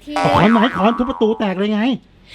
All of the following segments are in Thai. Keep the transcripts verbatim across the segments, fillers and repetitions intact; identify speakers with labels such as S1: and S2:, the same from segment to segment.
S1: ที
S2: ขอนไม้ขอนทุบประตูแตกเลยไง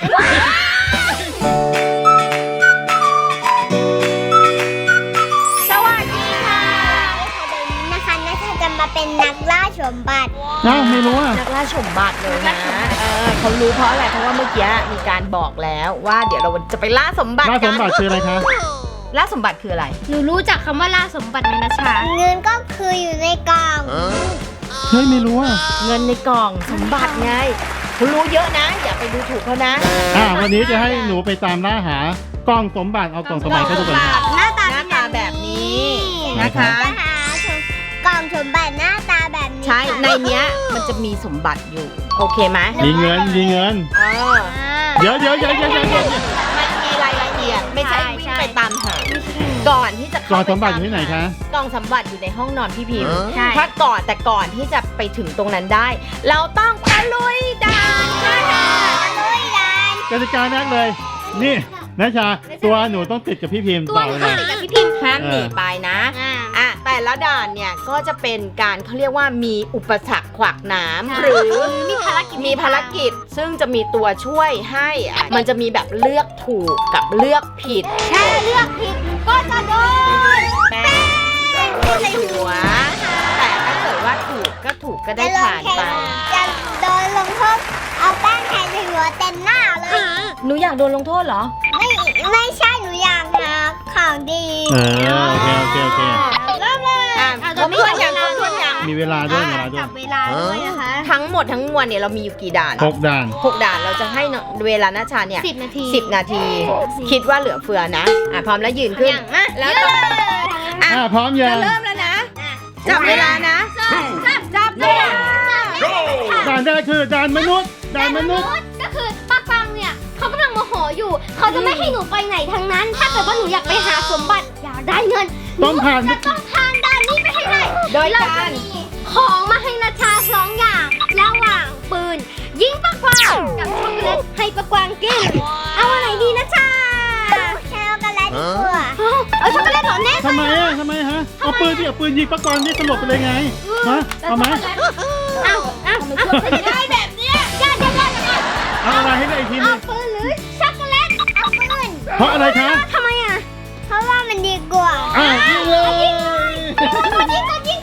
S1: สวัสดีค่ะนะคะนัชชาจะมาเป็นนักล่าสมบัติ
S2: อ้าวไม่รู้อ่ะ
S3: นักล่าสมบัติเลยนะเออเขารู้เพราะอะไรเพราะว่าเมื่อกี้มีการบอกแล้วว่าเดี๋ยวเราจะไปล่าสมบัติ
S2: ล่า
S3: กั
S2: สมบัติคืออะไรคะ
S3: ล่าสมบัติคืออะไร
S1: หนูรู้จักคำว่าล่าสมบัติไหมนัชชาเงินก็คืออยู่ในกล่อง
S2: เฮ้ยไม่รู้อ่ะ
S3: เงินในกล่องสมบัติไงเขารู้เยอะนะอย่าไปดูถูกเขานะ
S2: อ่าวันนี้จะให้หนูไปตามล่าหากล่องสมบัติเอากล่องสมบัติเข้าดูก่อนค่ะ
S1: หน้าตา
S3: หน้าตาแบบนี้นะคะ
S1: จะหาสมกล่องสมบัติหน้าตาแบบนี้
S3: ใช่ในเนี้ยมันจะมีสมบัติอยู่โอเคไหม
S2: มีเงินมีเงิน
S3: เออ
S2: เดี๋ยวเดี๋ยวเดี๋ยวเดี๋ยวเดี๋ยวเดี๋ยว
S3: มันมีรายละเอียดไม่ใช่วิ่งไปตามหาก่อนที่จะ
S2: กล่องสมบัติอยู่ที่ไหนคะ
S3: กล่องสมบัติอยู่ในห้องนอนพี่พิมพ์
S1: ใช่
S3: ถ้าก่อนแต่ก่อนที่จะไปถึงตรงนั้นได้ เราต้องตะลุยด่านค่ะ
S1: ลุยดัน
S2: กติกาแรกเลย นี่นัชชาตัวหนูต้องติดกับพี่พิมพ์
S1: ตัว
S2: ต่อ
S1: หนู
S2: เลย
S1: ติดกับพี่พิมพ์
S3: ห้ามหนีไปนะ
S1: อ่า
S3: อ่ะแต่ละด่านเนี่ยก็จะเป็นการเขาเรียกว่ามีอุปสรรคขวากหน้ำ
S1: ใช่
S3: หรือ
S1: มีภารกิจ
S3: มีภารกิจซึ่งจะมีตัวช่วยให้อ่ะมันจะมีแบบเลือกถูกกับเลือกผิด
S1: แค่เลือกผิดก็จะโดน
S3: แป้งโดนหัว แต่ถ้าเกิดว่าถูกก็ถูกก็ได้ผ่านไป
S1: จะโดนลงโทษเอาแป้งแทนหัวเต็มหน้าเลย
S3: หนูอยากโดนลงโทษเหรอ
S1: ไม่ไม่ใช่หนูอยากหาของดี
S2: เออโอเคโอเคโอเค
S1: เริ่มเลย
S3: อ่ะครบถ้วนยังครบถ้วนยัง
S2: มีเวลาด้วยเวลาด้ว
S1: จั
S2: ย
S1: บเวลาด้วยนะคะ
S3: ทั้งหมดทั้งมวลเนี่ยเรามีอยู่กี่ด่าน
S2: หกด่าน
S3: หกด่านเราจะให้เวลานาชาเนี่ย
S1: สิบนาที
S3: สิบนาที คิดว่าเหลือเฟือนะอ่ะพร้อมแล้วยืนขึ้น
S1: อย่างนะ
S3: แล้วก็อ่ะ
S2: อ่าพร้อมยั
S3: จะ
S2: ง
S3: เริ่มแล้วนะจับเวลานะ
S1: จับจับเลย
S2: ด่านแรกคือด่านมนุษย์ด่านมนุษย์
S1: ก็คือป้าปังเนี่ยเขากำลังโมโหอยู่ เขาจะไม่ให้หนูไปไหนทั้งนั้น ถ้าเกิดว่าหนูอยากไปหาสมบัติอยากได้เงิน
S2: ต้องผ่าน
S1: จะต้องผ่านด่านนี้ไปให้ได้
S3: โดย
S1: เรา
S3: การ
S1: จะมีของมาให้นาชาสองอย่างระหว่างปืน ยิงปะกวางกับช็อกโกแลตให้ปะกวางกินเอาอะไรดีนะชาช็อกโกแลตดีกว่าเอาช็อกโกแลตเหรอแน่
S2: ทำไมอ่ะทำไมฮะเอาปืนที่เอาปืนยิงปะกรณ์นี่สลบไปเลยไงฮะเอาไหม
S1: เอาเอาเอาได้แบบเนี้ยได้ได้ได้ได้
S2: เอาอะไรให้ได้อีกทีหนึ
S1: เอา
S2: ง
S1: ปืนหรือช็อกโกแลตเอาปืน
S2: เพราะอะไรคะ
S1: ทำไมอ่ะเพราะว่ามันดีกว่า
S2: อ่ะยิงเลย
S1: ยิงกดยิงกดยิง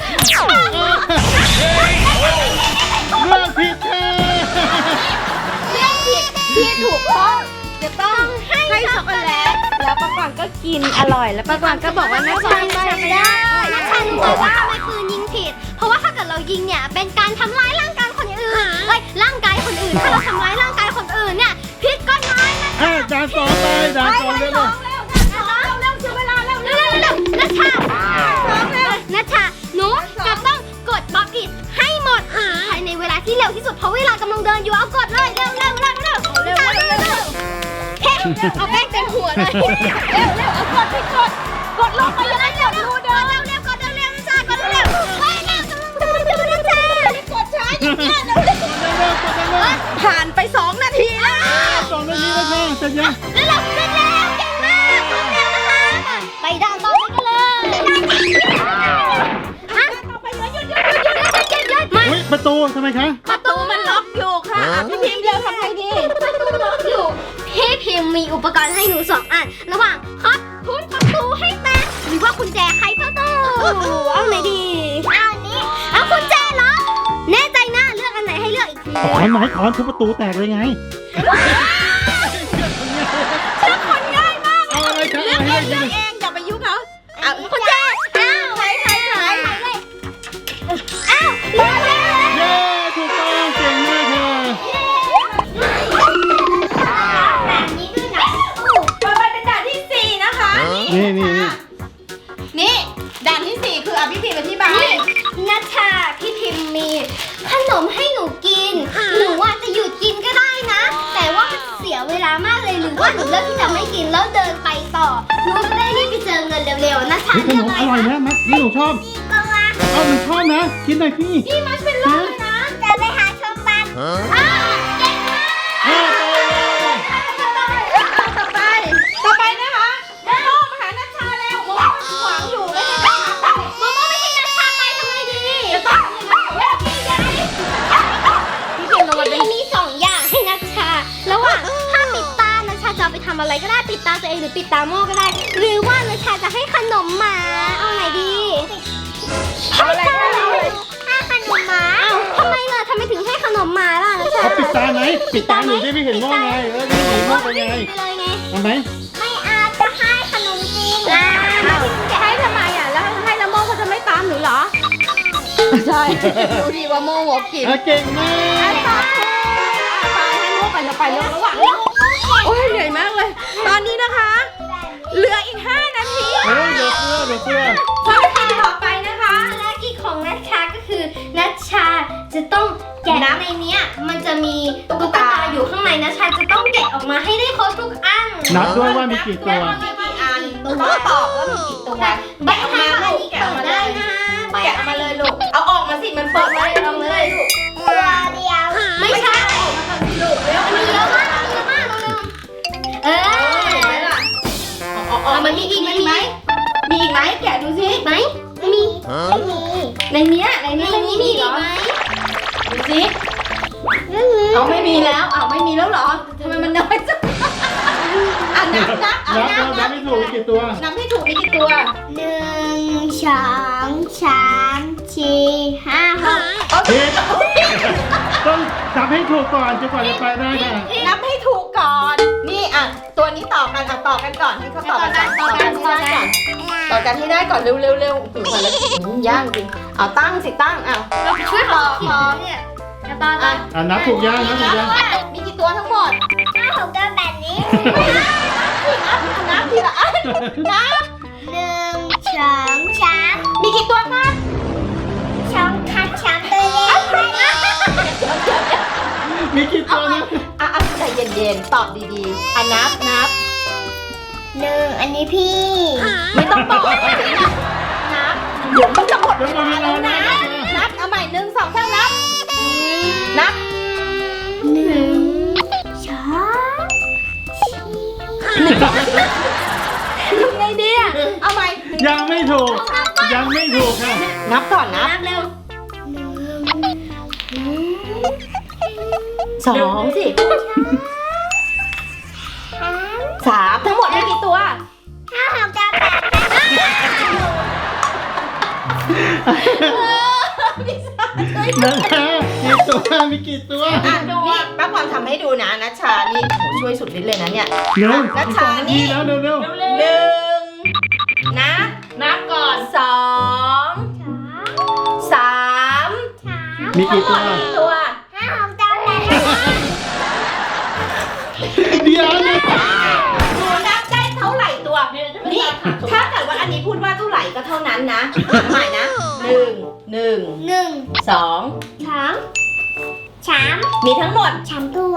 S2: เลือกผิดค่ะ
S3: เลือกผิดที่ถูกต้องจะต้องให้ช็อกโกแลตแล้วป้ากวางก็กินอร่อยแล้วป้ากวางก็บอกว่าน่าชังได้ไม่ได้
S1: นักชันรู้ว่าทำไมปืนยิงผิด เพราะว่าถ้าเกิดเรายิงเนี่ยเป็นการทำร้ายร่างกายคนอื่นเอ้ยร่างกายคนอื่น ถ้าเราทำร้ายร่างกายคนอื่นเนี่ยผิดกฎหมายนะ
S2: อ่ะด่านสองไปด่านสองเร็ว
S1: เร็วเร็วเร็วเสียเวลาเร็วเร็วเร็วนัชชานัชชาหนูจะต้องกดบล็อกอิดให้หมดภายในเวลาที่เร็วที่สุดเพราะเวลากำลังเดินอยู่เอากดเลยเร็วเร็วเร็วเร็วเร็วเร็วเร็วเร็วเอาแป้งเต็มหัวเลยเร็วเร็วเอากดให้กดกดลงไปยังไงเร็วดูเดินเร็วเร็วกดเร็วเร็วนัชชากดเร็วเฮ้ยเร็วกำลังเดินอยู่นัชชากดช้าอย่างเงี้ยเร็วเร็ว
S2: ๆเร็วๆกดเร็ว
S3: ผ่านไปสองนาทีแล้ว
S2: ๆสองนาทีแล้วค่ะเสร็จยัง
S1: แล้วเราเสร็จแล้วเก่งมากพร้อมแล้วนะคะไปด่านต่อไปกันเลยฮะต่อไปเลยหยุดหยุดหยุดหยุดหยุดหยุดหยุดไม่
S2: อุ้ยประตูทำไมคะ
S3: ประตูมันล็อกอยู่ค่ะอ่ะพี่พิมพ์เดียวทำไงดี
S1: ประตูล็อกอยู่พี่พิมพ์มีอุปกรณ์ให้หนูสองอันระหว่างคัดทุนประตูให้แตกหรือว่ากุญแจไขประตูเอาไหนดีเอาอันนี้เอากุญแจเหรอแน่ใจนะเลือกอันไหนให้เลือกอีกที
S2: เอาขอนไม้ขอนทุบประตูแตกเลยไง
S1: เลือกคนง่ายมาก
S2: เอาอะไรคะ
S3: เลือก
S2: เอา
S3: เอ
S2: ให้
S3: ง
S2: ได้
S3: เลื
S2: ยิ
S3: อก
S2: น
S3: เองอย่าไปยุ่งเขาอ่ะ
S1: กุญแจอ้าวใครใครใครอ้าวเลือกแล้ว
S2: เย้ถูกต้องเก่งมากค่ะ
S1: แบบนี้ด้วยนะ
S3: ต่อไปเป็นด่านที่สี่นะคะ
S2: นี่นี่นี่
S3: นี่ด่านที่สี่คืออ่ะพี่พิมพ์อธิบาย
S1: นี่นัชชาพี่พิมพ์มีขนมให้หนูกิน หนูว่าจะหยุดกินก็ได้นะ แต่ว่ามันเสียเวลามากเลยหรือว่าหนูเลือกที่จะไม่กินแล้วเดินไปต่อ หนูจะได้รีบไปเจอเงินเร็วๆนัชชา
S2: เฮ้ยข
S1: เลื
S2: น
S1: อก
S2: ม
S1: อะไร
S2: อร่อย
S1: คะ
S2: นะมัดนี่หนูชอบ
S1: นี่ก็ว่า
S2: เอาหนูชอบนะกินหน่อยพี่
S1: นี่มันเป็นโลเลยนะ จะไปหาชมบัตรอ้าวเก่งมาก
S2: เอาไปเลย
S3: ต่อไป ต่อไปนะคะโมโม่มาหานัชชาแล้วโมโม่ขวางอยู่ไม่ให้นัชชาไป
S1: โมโมไม่ให้นัชชาไปทำไงดี
S3: จะต้องยังไงเวลาพี่ใหญ่
S1: พี่พิมพ์มีสองำอะไรก็ได้ปิดตาตัวเองหรือปิดตาโม่ก็ได้ หรือว่านัชชาจะให้ขนมหมาเอาไหนดี
S3: เอาอะไรก็เอาเลย
S1: ให้ขนมหมาอ้าวทำไมล่ะทำไมถึงให้ขนมหมาล่ะนัชชา
S2: เขาปิดตาไหมปิดตาหนูได้ไม่เห็นโม่ไงเออไม่เห็นโม่เป็นไง
S1: ไปเลยไง
S2: เอาไหม
S1: ไม่อาจจะให้ขนมจริงอ่ะ
S3: ให้ทำไมอ่ะแล้วให้แล้วโมเขาจะไม่ตามหนูเหรอใช่ดูดีว่าโมโหกิน
S2: อ่ะเก่งมาก
S3: ไปให้โมไปจะไปเร็วระหว่างโอ้ยเหนื่อยมากเลย ตอนนี้นะคะ เหลืออีกห้านาที
S2: เฮ้ยเดี๋ยวเสื้อเดี๋ยวเสื้อ
S3: ภารกิจต่อไปนะคะ
S1: ภารกิจของนัชชาก็คือนัชชาจะต้องแกะในเนี้ยมันจะมีตุ๊กตาอยู่ข้างในนัชชาจะต้องแกะออกมาให้ได้ครบทุกอัน
S2: นับด้วยว่ามีกี่ตัว
S3: มีกี่อันต้องตอบว่ามีกี่ตัว
S1: ใบออกมาลูก
S3: แกะ
S1: เปิ
S3: ออก
S1: ด
S3: มาเล
S1: ได้
S3: ย
S1: นะ
S3: แกะออกมาเลยลูกเอาออกมาสิมันเปิดไว้ลองเลยลูก
S1: ตัวเดียวไม่ใช่
S3: ลูกเร็ว
S1: มีเยอะมากมีเยอะมากเร็วๆเออ
S3: เห็นไหมล่ะออกออกมันมีอีกไหมมีอีกไหมแกะดูสิ
S1: ไหมมีไม่มี
S3: ในเนี้ยใน
S1: ใน
S3: เนี้ย
S1: นี้มีอีกไหม
S3: ดูสิเอาไม่มีแล้วเอาไม่มีแล้วเหรอทำไมมันน้อยจังอ่ะนับนับเอา
S2: นับ
S3: นั
S2: นั
S3: บบ นับ
S2: ไม่ถูกมีกี่ตัว
S3: นับให้ถูกมีกี่ตัว
S1: หนึ่งสองสามสี่ห้าหก
S2: ผิดต้องนับให้ถูกก่อนจนกว่าจะไปได้ค่ะ
S3: นับให้ถูกก่อน นี่อ่ะตัวนี้ต่อกันอ่ะต่อกันก่อนให้เขาต่อกันก่อนต่อกันให้ได้ก่อนต่อกันให้ได้ก่อนเร็วเร็วเร็วถึงก่อนแล้วย่างจริงเอาตั้งสิตั้งเอา
S1: เราไปช่วยเขาพอเนี่ยจะตอน
S3: อ่ะ
S2: อ่ะนับถูกยังนับถูกยัง
S3: มีกี่ตัวทั้งหมด
S1: ห้าหกเก้าแบบนี้
S3: นับทีละอันนับ
S1: หนึ่งสองสาม
S3: มีกี่ตัวคะ
S1: สองคันสามตัวเล็ก
S2: มีกี่ตัวนะ
S3: อ่ะอ่ะใจเย็นๆตอบดีๆอ่ะนับนับ
S1: หนึ่งอันนี้พี่
S3: ไม่ต้องบอกนับเดี๋ยวมันจะหมดเว
S2: เดี๋ยวหม
S3: ลา
S2: ดเว
S3: แล้
S2: ลาว นะ
S3: นะนับเอาใหม่หนึ่งสองสามนับนับ
S1: หนึ่งสองสี่
S3: ทำไงดีอ่ะเอาใหม่
S2: ยังไม่ถูก ยังไม่ถูกค่ะ
S3: นับก่อนนับ
S1: นับเร็ว
S3: สองสิสามทั้งหมดมีกี่ตัว
S1: ห้าหกเก้าแปด
S2: นั่นแหละกี่ตัวมีกี่ตัว
S3: อ่ะนี่ป้าพรทำให้ดูนะนัชชานี่โหช่วยสุดฤทธิ์เลยนะเนี่ย
S2: เร็ว
S3: นัช
S2: อีก
S3: ชา
S2: สองนาที
S3: นี่
S2: แล้วเร็วเร็ว
S3: หนึ่งนะนับก่อนสองสาม
S2: มีกี่ตัว
S3: ทั้งหมดกี่ตัว
S1: ห้าหกเก้าแปด
S2: เดี๋ยวนะ
S3: หนูนับได้เท่าไหร่ตัว นี่ถ้าเกิดว่าอันนี้พูดว่าเท่าไหร่ก็เท่านั้นนะใหม่นะหนึ่งหนึ่ง
S1: หนึ่ง
S3: สอง
S1: สองสาม
S3: มีทั้งหมด
S1: สามตัว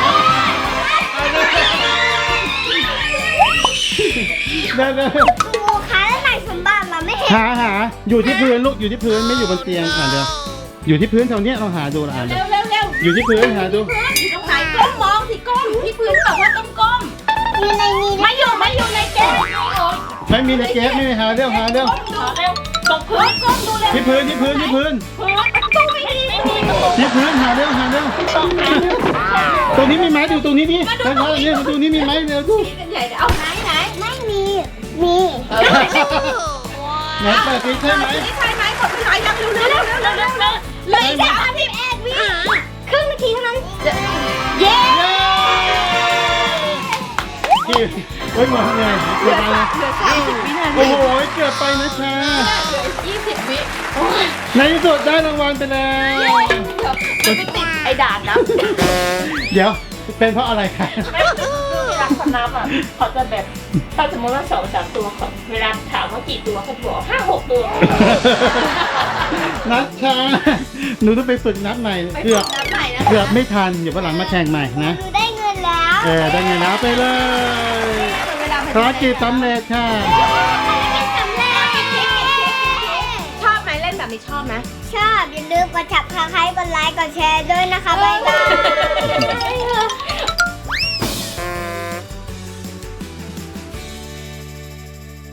S2: เร็วเร็ว
S1: ครูคะแล้วไหนสมบัติเราไม่เห็น
S2: หาหาอยู่ที่พื้นลูกอยู่ที่พื้นไม่อยู่บนเตียงอ่ะเดี๋ยวอยู่ที่พื้นแถวเนี้ยลองหาดูละอ่ะเดี๋
S3: เร็
S2: ยว
S3: วเร็วเร็ว
S2: อยู่ที่พื้นหาดู
S3: พื้นอยู่ตรงไหนก้มมองสิก้มที่พื้นบอกว่าต้องก้ม
S1: อยู่ในนี้
S3: ไม่อยู่ไม่อยู่ในเกม
S2: ไม่มีในเกสไม่มีหาเร็วหาเร็ว
S3: ก้มดูเร็วตรงพื้นก้มดูเร็ว
S2: ที่พื้นที่พื้นที่พื้น
S3: พื้นประตูไม่มีไม่มีประตู
S2: ที่พื้นหาเร็วหาเร็วตรงนี้มีไหมดูตรงนี้ดิทางนี้ตรงนี้มีไหมเร็วดู
S3: กันใหญ่เอาไหนไหน
S1: ไม่มีมี
S2: ไหนเปิดสิใช่ไหม
S3: ใช่ไหมกดไปยังเร็วเร็วเร็วเร็วเร็วเร็วเลยสามสิบเอ็ดวิ
S1: ครึ่งนาทีเท่านั้น
S3: เย้
S2: ที่เฮ้ยหมดเลย
S3: เห
S2: เกื
S3: ลื
S2: อ
S3: อบ
S2: ไป
S3: เหลือสามสิบวินา
S2: โอ้
S3: ที
S2: โหเกือบไปนะชา
S3: เหลือยี่สิบวิโอ้ย
S2: ในที่สุดได้รางวัลไปแล้ว
S3: เดี๋ยวมันไปติดไอ้ด่านนะ
S2: เดี๋ยวเป็นเพราะอะไรคะ
S4: ไม่คือเวลาเขานับอ่ะเขาจะแบบถ้าสมมติว่าสองสามตัวเขาเวลาถามว่ากี่ตัวเขาจะบอกห้าหกตัว
S2: นัดชาหนูต้องไปฝึกนับใหม่เกือบ
S3: น้ำไหนนะ
S2: เกือบไม่ทันเดี๋ยววันหลังมาแข่งใหม่นะ
S1: หนูได้เงินแล้ว
S2: เออได้ไงนะไปเลย
S3: เวลา
S2: ภารกิจสำเร็จค่ะ
S1: สำเร็จ
S3: ชอบไหมเล่นแบบนี้ชอบไหม
S1: ชอบอย่าลืมกดจับคาใครกดไลค์กดแชร์ด้วยนะคะบ๊ายบาย